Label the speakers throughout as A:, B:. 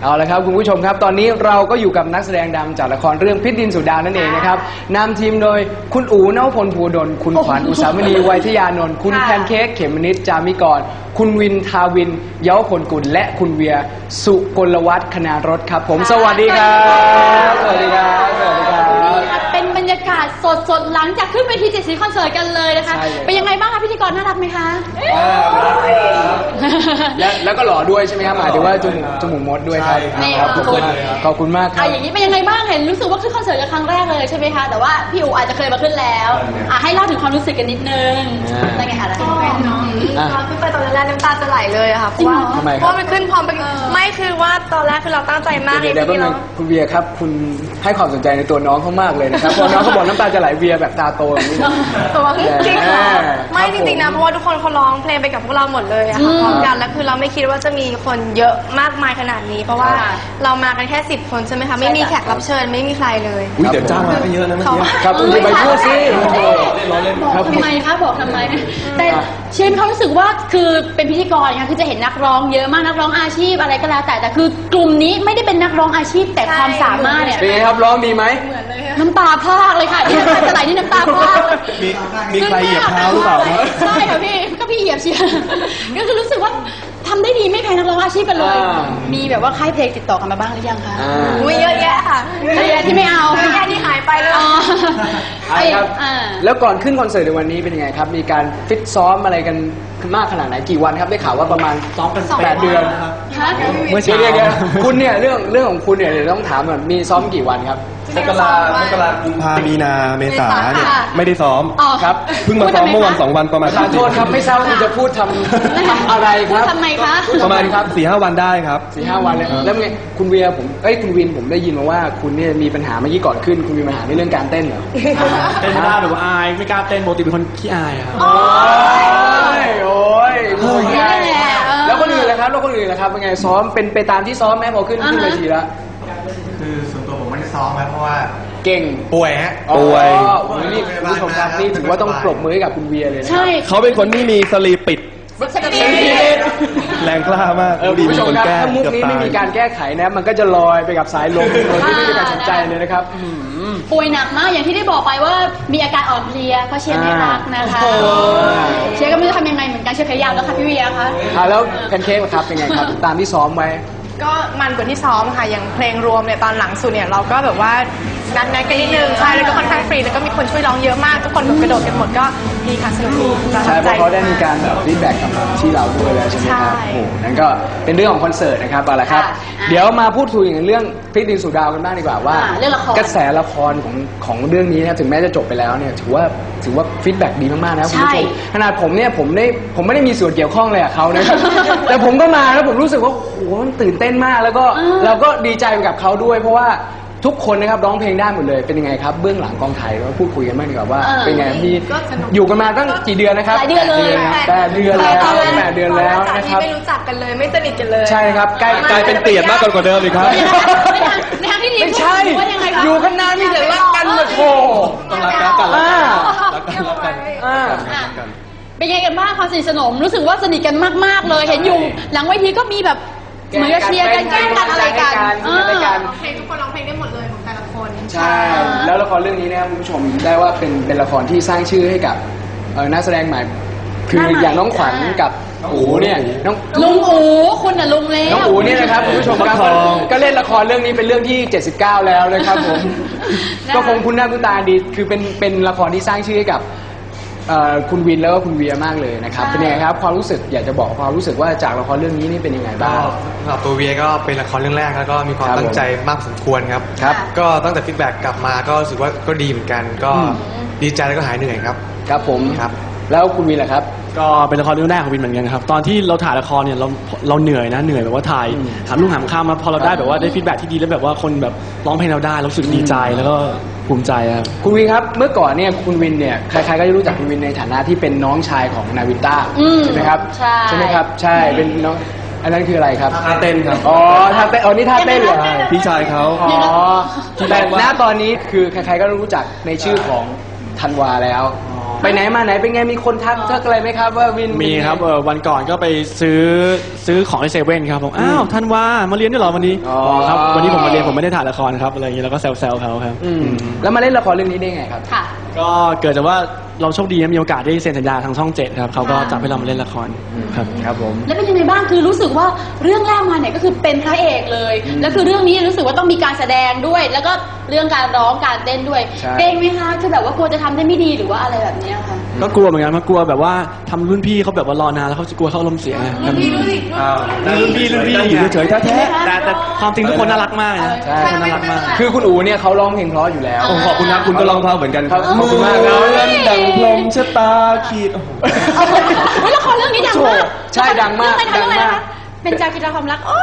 A: เอาละครับคุณผู้ชมครับตอนนี้เราก็อยู่กับนักแสดงดังจากละครเรื่องพิษดินสุดานั่นเองนะครับนำทีมโดยคุณอู๋นวพลภูดลคุณขวัญอุสามณีไวยทยานนท์คุณแพนเค้กเขมนิดจามิกรคุณวินทาวินเย้าพลกุลและคุณเวียสุกลวัฒน์คณารถครับผมสวัสดีครับสวัสดีครับสวัสดีครับ
B: เป็นบรรยากาศสดๆหลังจากขึ้นเวที7 สีคอนเสิร์ตกันเลยนะคะเป็นยังไงบ้างคะพิธีกรน่ารักไหมคะ
A: แล้วก็หล่อด้วยใช่ไหมครับหมายถึงว่าจมูกมดด้วยครับขอบคุณมากครับ
B: อย่างนี้เป็นยังไงบ้างเห็นรู้สึกว่าขึ้นคอนเสิร์ตกันครั้งแรกเลยใช่ไหมคะแต่ว่าพี่อู๋อาจจะเคยมาขึ้นแล้วให้เล่าถึงความรู้สึกกันนิดนึงได้ไงคะต
C: อนขึ้นไปตอนแรกน้ำตาจะไหลเลยอะค่ะเพราะว่ามันขึ้นพร้อมไปไม่คือว่าตอนแรกคือเราตั้งใจมากเลย
A: ทีเดียวคุณเวียครับคุณให้ความสนใจในตัวน้องเขามากเลยนะครับพอน้องเขาบอกน้ำตาจะไหลเวียแบบตาโตอย่างนี้
C: ตัวจริงไม่จริงๆนะเพราะว่าทุกคนเขาร้องเพลงไปกับพวกเราหมดเลยอะค่ะพร้อมกันแล้วคือเราไม่คิดว่าจะมีคนเยอะมากมายขนาดนี้เพราะว่าเรามากันแค่10 คนใช่ไหมคะไม่มีแขกรับเชิญไม่มีใครเลย
D: เดี๋ยวจ้างมาก็เยอะนะเมื่อกี้
A: ครับคุณไปพูดสิ
B: บอกทำไมคะบอกทำไมแต่เช่นเขารู้สึกว่าคือเป็นพิธีกรค่ะคือจะเห็นนักร้องเยอะมากนักร้องอาชีพอะไรก็แล้วแต่คือกลุ่มนี้ไม่ได้เป็นนักร้องอาชีพแต่ความสามารถเนี่ย
A: เป็นไงครับร้องดีไหม
B: น้ำตาพรากเลยค่ะที่น้ำตาจะไหลนี่น้ำตาพราก
D: มีใครเหยียบเท้าหรือเปล่า
B: ใช่ค่ะพี่ก็พี่เหยียบเชียร์ก็คือรู้สึกว่าทำได้ดีไม่แพ้นักร้องอาชีพกันเลยมีแบบว่าค่ายเพลงติดต่อกันมาบ้างหรือยังคะ
C: มีเยอะแยะค่ะ
B: เยอะแยะที่ไม่เอา
C: เยอะแยะที่หายไปเลย
A: ครับแล้วก่อนขึ้นคอนเสิร์ตในวันนี้เป็นยังไงครับมีการฟิตซ้อมอะไรกันมากขนาดไหนกี่วันครับได้ข่าวว่าประมาณซ้อมกัน8 เดือนเมื่อเช้าคุณเนี่ยเรื่องของคุณเนี่ยเดี๋ยวต้องถามก่อนมีซ้อมกี่วันครับ
D: มกรากุมภามีนาเมษาเนี่ยไม่ได้ซ้อม
A: ครับ
D: เพิ่งมาซ้อมเมื่อวัน2 วันประมาณ
A: ขอโทษครับไม่ทราบว่าคุณจะพูดทำอะไรครับ
B: ทำไมคะ
D: ประมาณครับ4-5 วันได้ครับ
A: 4-5 วันเลยแล้วไงคุณเวียคุณวินผมได้ยินมาว่าคุณเนี่ยมีปัญหาเมื่อกี้ก่อนขึ้นคุณมีปัญหาในเรื่องการเต้นเหรอ
D: เต้นไม่ได้หรือว่าอายไม่กล้าเต้นปกติเป็นคนขี้อายครับ
A: โอ้ยแล้วคนอื่นล่ะครับเป็นไงซ้อมเป็นไปตามที่ซ้อมไหมพอขึ้นเวทีแล้ว
E: คือส่วนตัวผมไม่ได้ซ้อมเพราะว่า
A: เก่ง
E: ป่วยฮะ
A: ป่วยนี่คุณผู้ชมครับนี่ถือว่าต้องปรบมือให้กับคุณเวียเลยนะ
B: ใช่
D: เขาเป็นคนที่มีสลีปปิดแรงกล้ามาก
A: ดีเป็นคนแก้ถ้ามุกนี้ไม่มีการแก้ไขนะมันก็จะลอยไปกับสายลมโดยที่ไม่มีการสนใจเลยนะครับ
B: ป่วยหนักมากอย่างที่ได้บอกไปว่ามีอาการอ่อนเพลียเพราะเชียร์ไม่รักนะคะเชียร์ก็ไม่รู้ทำยังไงเหมือนกันเชียร์ขยับแล้วค่ะพี่เวียคะ
A: แล้วแพนเค้กครับเป็นไงครับตามที่ซ้อมไว้
C: ก็มันกว่าที่ซ้อมค่ะอย่างเพลงรวมเนี่ยตอนหลังสุดเนี่ยเราก็แบบว่านัดกันนิดนึงใช่แล้วก็ค่อนข้างฟรีแล้วก็มีคนช่วยร้องเยอะมากทุกคนแบบกระโดดกันหมดก็ดีค่ะสนุกดี
A: ใช่เพราะเขาได้มีการฟีดแบ็กกับที่เราด้วยแล้วใช่ไหมครับโอ้นั่นก็เป็นเรื่องของคอนเสิร์ตนะครับเอาละครับเดี๋ยวมาพูดคุยถึงเรื่องพิษดินสุดาวกันบ้างดีกว่าว่ากระแสละครของเรื่องนี้นะถึงแม้จะจบไปแล้วเนี่ยถือว่าฟีดแบ็กดีมากๆนะคุณผู้ชมขนาดผมเนี่ยผมไม่ได้มีส่วนเกี่ยวข้องเลยกับเขานะครับแต่ผมก็มาแล้วผมรู้สึกว่าโอ้โหมันตื่นเต้นมากแล้วก็เราก็ดีใจไปกับเขาด้วยเพราะว่าทุกคนนะครับร้องเพลงได้หมดเลยเป็นยังไงครับเบื้องหลังกองถ่ายเราพูดคุยกันบ้างดีกว่าว่าเป็นไงมีอยู่กันมาตั้งกี่เดือนนะครับ
B: 8 เดือนเลย
A: 8 เดือนแล้วนะครับ
C: ไม่รู้จักกันเลยไม่สนิทกันเลย
A: ใช่ครับ
D: กลายเป็นเตียดมากกว่าเดิมอีกครับ
B: ในทางที่ดี
A: ไม่ใช่อยู่กันนานมีแต่รักกันมาโถ
D: ต้องรักกัน
B: เป็นไงกันบ้างความสนิทสนมรู้สึกว่าสนิทกันมากๆเลยเห็นอยู่หลังเวทีก็มีแบบเหมือนกับเชียร์กันแกล้งกันอะไรกัน
C: เพลงทุกคนร้องเพลงได้หมดเลยของแต่ละคน
A: ใช่แล้วละครเรื่องนี้นะครับคุณผู้ชมได้ว่าเป็นละครที่สร้างชื่อให้กับนักแสดงใหม่คืออย่างน้องขวัญกับอู๋เนี่ย
B: ลุงอู๋คุณน่ะลุงแล้ว
A: น้องอู๋เนี่ยนะครับคุณผู้ชมครับก็เล่นละครเรื่องนี้เป็นเรื่องที่79แล้วนะครับผมก็คงคุ้นหน้าคุ้นตาดีคือเป็นละครที่สร้างชื่อให้กับคุณวินแล้วก็คุณเวียมากเลยนะครับเป็นยังไงครับความรู้สึกอยากจะบอกความรู้สึกว่าจากละครเรื่องนี้นี่เป็นยังไงบ้าง
E: สำหรับตัวเวียก็เป็นละครเรื่องแรกแล้วก็มีความตั้งใจมากสมควรครับก็ตั้งแต่ฟีดแบ็กกลับมาก็รู้สึกว่าก็ดีเหมือนกันก็ดีใจแล้วก็หายเหนื่อยครับ
A: ครับผมครับแล้วคุณวินล่ะครับ
D: ก็เป็นละครเรื่องแรกของวินเหมือนกันครับตอนที่เราถ่ายละครเนี่ยเราเหนื่อยนะเหนื่อยแบบว่าถ่ายหามลุ่งหามค่ำมาพอเราได้แบบว่าได้ฟีดแบ็กที่ดีแล้วแบบว่าคนแบบร้องเพลงเราได้รู้สึกดีใจแล้วก็ภูมิใจครับ
A: คุณวินครับเมื่อก่อนเนี่ยคุณวินเนี่ยใครๆก็จะรู้จักคุณวินในฐานะที่เป็นน้องชายของนาวินต้าใช่ไหมครับใช่ไหมครับใช่เป็นน้องอันนั้นคืออะไรครับ
D: ท่าเต้นครับ
A: ท่าเต้นนี่ท่าเต้นเหรอ
D: พี่ชายเขา
A: แต่ณตอนนี้คือใครๆก็รู้จักในชื่อของธันวาแล้วไปไหนมาไหนเป็นไงมีคนทักอะไรไหมครับว่าวิน
D: มีครับวันก่อนก็ไปซื้อของในเซเว่นครับผมอ้าวท่านว่ามาเรียนด้วยเหรอวันนี้ครับวันนี้ผมมาเรียนผมไม่ได้ถ่ายละครครับอะไรอย่างนี้แล้วก็แซวๆเขาครับ
A: แล้วมาเล่นละครเรื่องนี้ได้ไงครับ
B: ค่ะ
D: ก็เกิดจากว่าเราโชคดีนะมีโอกาสได้เซ็นสัญญาทางช่อง 7ครับเขาก็จับให้เรามาเล่นละครครับ
A: ครับผม
B: แล้วเป็นยังไงบ้างคือรู้สึกว่าเรื่องแรกมาเนี่ยก็คือเป็นพระเอกเลยแล้วคือเรื่องนี้รู้สึกว่าต้องมีการแสดงด้วย แล้วก็เรื่องการร้องการเต้นด้วย
A: ใช่
B: เกรงไหมคะคือแบบว่ากลัวจะทำได้ไม่ดีหรือว่าอะไรแบบเนี้ยค่ะ
D: ก็กลัวเหมือนกันเพราะกลัวแบบว่าทำรุ่นพี่เขาแบบว่ารอนานแล้วเขาจะกลัวเขาอารมณ์เสียไง
C: รุ่นพี่รู้สิ
D: รุ่นพี่อยู่เฉยๆแท้ๆแต่ความจริงทุกคนน่ารักมากนะ
A: ใช่
D: ทุกคนน่ารักมาก
A: คือคุณอูเนี่ยเขาร้องเพลงเพราะอยู่แล้ว
D: โอ้ขอบคุณครับคุณก็ร้องเพราะเหมือนกัน
A: ครับขอบคุณมากครับ
D: ดังลมชะตาขีด
B: เฮ้ยละครเรื่องนี้ดังมาก
A: ใช่ดังมาก
B: เรื่องอะไร
A: ดัง
B: นะ
A: มาก
B: เป็นจากิจความรักอ้อ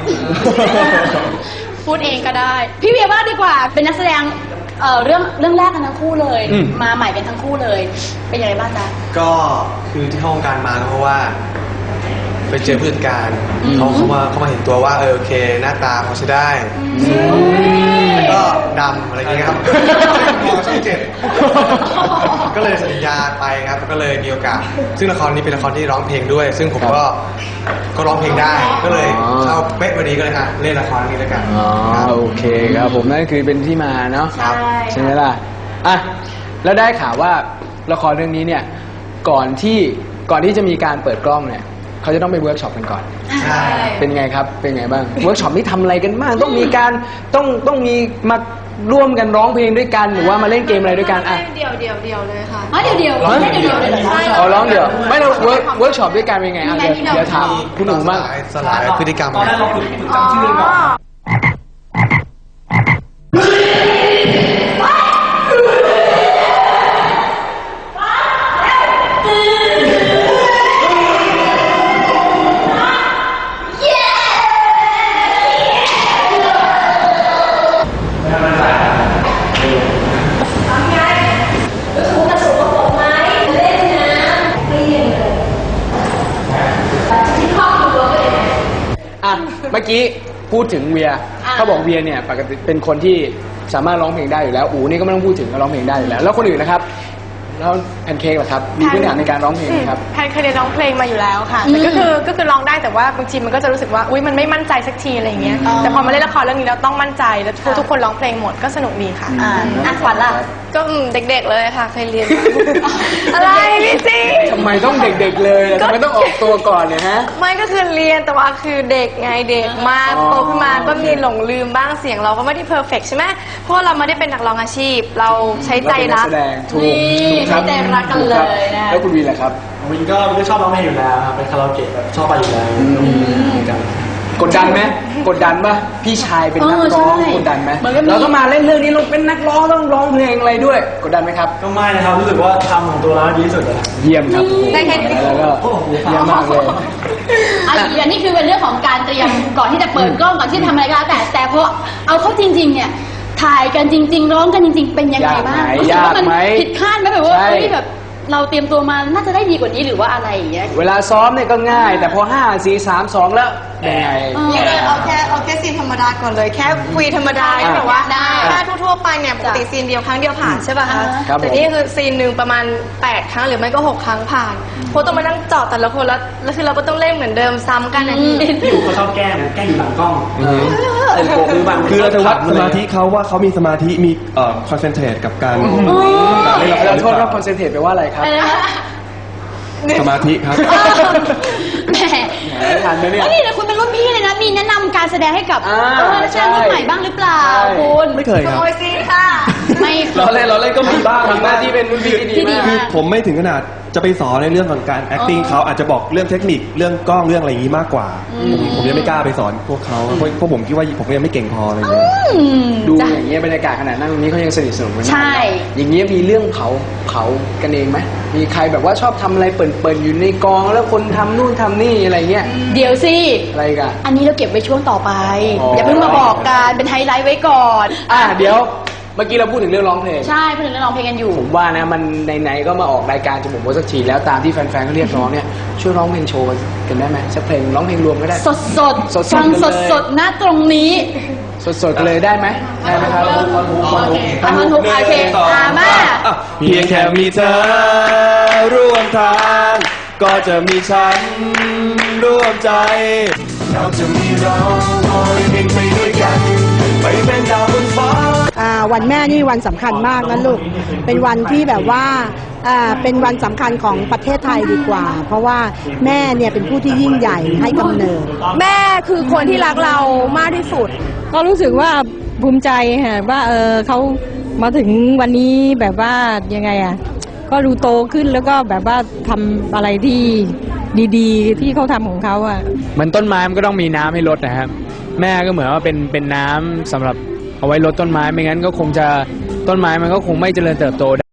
B: พูดเองก็ได้ พี่เวียว่าดีกว่าเป็นนักแสดงเรื่องแรกกันทั้งคู่เลย มาใหม่กันทั้งคู่เลย เป็นยังไงบ้างจ๊ะ
E: ก็คือที่เข้าวงการมาก็เพราะว่า ไปเจอผู้จัดการเขามาเห็นตัวว่าโอเค หน้าตาเขาใช้ได้แล้วก็ดำอะไรอย่างเงี้ยครับมองช่องเจ็ดก็เลยสัญญาไปครับก็เลยมีโอกาส ซึ่งละครนี้เป็นละครที่ร้องเพลงด้วย ซึ่งผมก็ร้องเพลงได้ ก็เลยเข้าเป๊ะพอดีก็เลยค่ะเล่นละครนี้แล้วกัน
A: อ๋อ
E: ครับ
A: โอเคครับผมนั่นคือเป็นที่มาเนาะ
B: ใช่
A: ใช่ไหมล่ะอ่ะแล้วได้ข่าวว่าละครเรื่องนี้เนี่ยก่อนที่จะมีการเปิดกล้องเนี่ยเขาจะต้องไปเวิร์กช็อปกันก่อน
E: ใช่
A: เป็นไงครับเป็นไงบ้างเวิร์กช็อปนี่ทำอะไรกันบ้างต้องมีการต้องมีมาร่วมกันร้องเพลงด้วยกันหรือว่ามาเล่นเกมอะไรด้วยกันอ่ะ
C: เดี่ยวเลยค่ะ
B: อ๋อเดี๋ยวร้องได้เดี๋ยวเลยเหรอ
C: ใช่
A: เอาร้องเดี๋ยวไม่เราเวิร์กช็อปด้วยกันเป็นไงอ่ะเดี๋ยวถามคุณหนูบ้าง
E: สลายพฤติกรรม
D: ตอนแรกเราฝึกจำชื่อเรื่องก่อน
A: อ่ะเมื่อกี้พูดถึงเวียเขาบอกเวียเนี่ยปกติเป็นคนที่สามารถร้องเพลงได้อยู่แล้วอูนี่ก็ไม่ต้องพูดถึงก็ร้องเพลงได้อยู่แล้วแล้วคนอื่นนะครับแล้วแพนเค้กล่ะครับมีพื้นฐานในการร้องเพลงไหมครับ
C: แพนเคยเรียนร้องเพลงมาอยู่แล้วค่ะแต่ก็คือร้องได้แต่ว่าบางทีมันก็จะรู้สึกว่าอุ้ยมันไม่มั่นใจสักทีอะไรอย่างเงี้ยแต่พอมาเล่นละครเรื่องนี้เราต้องมั่นใจแล้วทุกคนร้องเพลงหมดก็สนุกดีค่ะ
B: ขวัญล่ะ
C: ก็เด็กๆเลยค่ะเคยเรียนมาอะไรพี่ซี
A: ทำไมต้องเด็กๆเลยทำไมต้องออกตัวก่อนเนี่ยฮะ
C: ไม่ก็คือเรียนแต่ว่าคือเด็กไงเด็กมาก
A: อ๋อ
C: โตขึ้นมาก็มีหลงลืมบ้างเสียงเราก็ไม่ได้เพอร์เฟกใช่ไหมเพราะว่าเราไม่ได้เป็นนักร้องอาชีพ เราใช้ใจรัก
A: เราเป็นนักแสดงถูก
B: นี่
A: ถูกครับ
B: ใช้ใจรักกันเลย
A: ถูครับ
B: นะ
A: แล้วคุณวีล่ะครับ
D: วินก็ชอบร้องเพลงอยู่แล้วครับเป็นคาราโอเกะแบบชอบไปอยู่แล้ว
A: กดดันไหมกดดันป่ะพี่ชายเป็นนักร้อง
B: ใช่
A: กดดันไหม
B: มันก็มี
A: เราก็มาเล่นเรื่องนี้เราเป็นนักร้องต้องร้องเพลงอะไรด้วยกดดันไหมครับ
D: ก็ไม่นะครับรู้สึกว่าทำของตัวเราดีที่สุดเลย
A: เยี่ยมครับ
C: ได้แค่นี้
A: แล้วก็เยี่ยมมากเลย
B: อันนี้คือเป็นเรื่องของการเตรียมก่อนที่จะเปิดกล้องก่อนที่จะทำอะไรก็แล้วแต่พอเอาเข้าจริง ๆ เนี่ยถ่ายกันจริง ๆ ร้องกันจริง ๆ เป็นยังไงบ้างรู้สึกว่ามันผิดคาดไหมแบบว่า
A: ใช่
B: เฮ้ยแบบเราเตรียมตัวมาน่าจะได้ดีกว่านี้หรือว่าอะไรอย่างเงี้ย
A: เวลาซ้อมเนี่ยก็ง่าย แต่พอ5 4 3 2แล้วเป็นไง
C: นี่เลยเอาแค่ซีนธรรมดาก่อนเลยแค่คุยธรรมดา
A: อ่า
C: แบบว่า
B: ได้
C: ถ้าทั่วๆไปเนี่ยปกติซีนเดียวครั้งเดียวผ่านใช่ป่ะคะ
A: ครับผม
C: แต่นี่คือซีนหนึ่งประมาณ8ครั้งหรือไม่ก็6ครั้งผ่านเพราะต้องมานั่งเจาะแต่ละคนแล้วคือเราก็ต้องเล่นเหมือนเดิมซ้ำกันนะพี่
D: พี่อู๋เขาชอบแกล้งนะแกล้งอยู่หลังกล้องเป็นโกคือบาง
F: คือเราจะวัดสมาธิเขาว่าเขามีสมาธิมีคอนเซนเทรตกับการเล่นละคร
A: เรา
F: หรือ
A: โทษ
F: เป
A: ว่า
F: ล่า
A: คอนเซนเทรตไปลว่าอะไรครับ
B: อะไรนะ
F: สมาธิครับ
B: แหม
A: ทันไหมเนี่ย
B: นี่นะคุณเป็นรุ่นพี่เลยนะมีแนะนำการแสดงให้กับ
A: อ่า
B: นักแสดงรุ่นใหม่บ้างหรือเปล่า
A: ใช่
B: คุณ
F: ไม่เคยครับ
C: โอ้ยซีนค่ะ
B: ไม่
F: เราเล่นก็มีบ้าง
A: ทำหน้าที่เป็นรุ่นพี่ที่ดี
B: ที่ดี
A: มาก
B: มาก
F: ผมไม่ถึงขนาดจะไปสอนในเรื่องของการ acting เขาอาจจะบอกเรื่องเทคนิคเรื่องกล้องเรื่องอะไรอย่างนี้มากกว่า ผมยังไม่กล้าไปสอนพวกเขาเพราะผมคิดว่าผมยังไม่เก่งพออะไรอย่างเงี้ย
A: ดูอย่างเงี้ยบรรยากาศขนาดนั่งตรงนี้เขายังสนิทสนมกันมาก
B: ใช่
A: อย่างเงี้ยมีเรื่องเผากันเองไหมมีใครแบบว่าชอบทำอะไรเปิดๆอยู่ในกองแล้วคนทำนู่นทำนี่อะไรเงี้ย
B: เดี๋ยวสิ
A: อะไรกัน
B: อันนี้เราเก็บไว้ช่วงต่อไป
A: อ๋ออ
B: อย่าเพิ่งมาบอกกันเป็นไฮไลท์ไว้ก่อน
A: เดี๋ยวเมื่อกี้เราพูดถึงเรื่องร้องเพลง
B: ใช่พูดถึงเรื่องร้องเพลงกันอยู่
A: ผมว่านะมันไหนๆก็มาออกรายการจมูกโมสักทีแล้วตามที่แฟนๆเขาเรียกร้องเนี่ยช่วยร้องเพลงโชว์กันได้ไหมสักเพลงร้องเพลงรวมก็ได้
B: สดสด
A: สดๆ
B: ฟัง
A: กัน
B: ส
A: เลย
B: ดสดๆณตรงนี้
A: สดๆเลยได้ไหมได้ไหมครับ
B: อันนั้นทุกโอเคมา
F: เพียงแค่มีเธอร่วมทางก็จะมีฉันร่วมใจเราจะมีเราคอยบินไปด้วยกันไปเป็นดาวบนฟ้า
G: วันแม่นี่วันสำคัญมากนะลูก เป็นวันที่แบบว่าเป็นวันสำคัญของประเทศไทยดีกว่า เพราะว่าแม่เนี่ยเป็นผู้ที่ยิ่งใหญ่ให้กำเนิด
C: แม่คือคนที่รักเรามากที่สุด
H: ก็รู้สึกว่าภูมิใจค่ะว่าเขามาถึงวันนี้แบบว่ายังไงอ่ะก็ดูโตขึ้นแล้วก็แบบว่าทำอะไรที่ดีๆ ที่เขาทำของเขาอ่ะ
A: เหมือนต้นไม้มันก็ต้องมีน้ำให้รดนะครับแม่ก็เหมือนว่าเป็นน้ำสำหรับเอาไว้รดต้นไม้ไม่งั้นก็คงจะต้นไม้มันก็คงไม่เจริญเติบโต